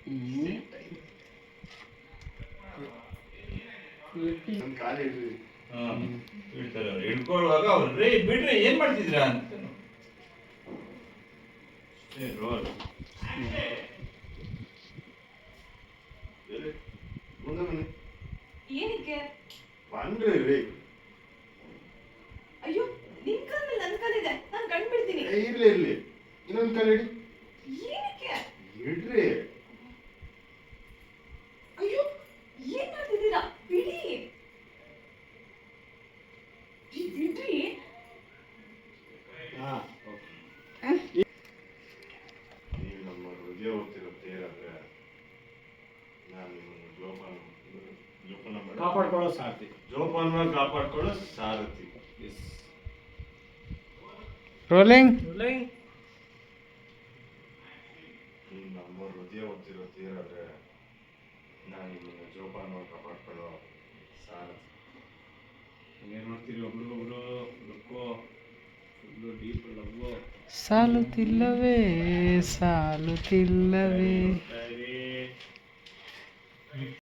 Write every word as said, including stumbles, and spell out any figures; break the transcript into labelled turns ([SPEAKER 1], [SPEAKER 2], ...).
[SPEAKER 1] ಇಡ್ತಾರೆ ಅವ್ರು ಹಿಡ್ಕೊಳ್ಳುವಾಗ ಅವ್ರು ರೇ ಬಿಡ್ರಿ ಏನ್ ಮಾಡ್ತಿದ್ದೀರಾ ಅಂತ ರೋಲ್
[SPEAKER 2] ಏನಕ್ಕೆ
[SPEAKER 1] ಬಂದ್ರಿ ರೀ
[SPEAKER 2] ಅಯ್ಯೋ ನಿನ್ ಕಾಲ ಮೇಲೆ ನನ್ನ ಕಾಲಿದೆ ನಾನು ಕಣ್ ಬಿಡ್ತೀನಿ
[SPEAKER 1] ಇರ್ಲಿ ಇರ್ಲಿ ಇನ್ನೊಂದು ಕಾಲ ಇಡಿ
[SPEAKER 2] ಏನಕ್ಕೆ
[SPEAKER 1] ಇಡ್ರಿ
[SPEAKER 2] ಅಯ್ಯೋ ಏನ್ ಮಾಡ್ತಿದ್ದೀರಾ ಬಿಡಿ ಬಿಡ್ರಿ
[SPEAKER 1] ನೀವು ನಮ್ಮ ಹೃದಯ ಹೋಗ್ತಿರೋ ತೇರಾದ್ರೆ ನಾನು ನಿಮ್ಮನ್ನು ಜೋಪಾನ ಜೋಪಾನ
[SPEAKER 3] ಕಾಪಾಡ್ಕೊಳ್ಳೋ ಸಾಧ್ಯ
[SPEAKER 1] ಜೋಪಾನ ಕಾಪಾಡ್ಕೊಳ್ಳೋ ಸಾರಥಿ
[SPEAKER 4] ರೋಲಿಂಗ್
[SPEAKER 3] ರೋಲಿಂಗ್
[SPEAKER 1] ನೀವು ನಮ್ಮ ಹೃದಯ ಹೋಗ್ತಿರೋ ತೇರಾದ್ರೆ ನಾನು ನಿಮ್ಮನ್ನು ಜೋಪಾನ ಕಾಪಾಡ್ಕೊಳ್ಳೋ ಸಾರಥಿ
[SPEAKER 3] ಏನು ಮಾಡ್ತೀರಿ ಒಬ್ರಿಗೊಬ್ರು ಲುಕ್ಕೋ ಫುಲ್ಲು ಡೀಪ್ ಲವ್ವು
[SPEAKER 4] ಸಾಲುತ್ತಿಲ್ಲವೇ ಸಾಲುತ್ತಿಲ್ಲವೇ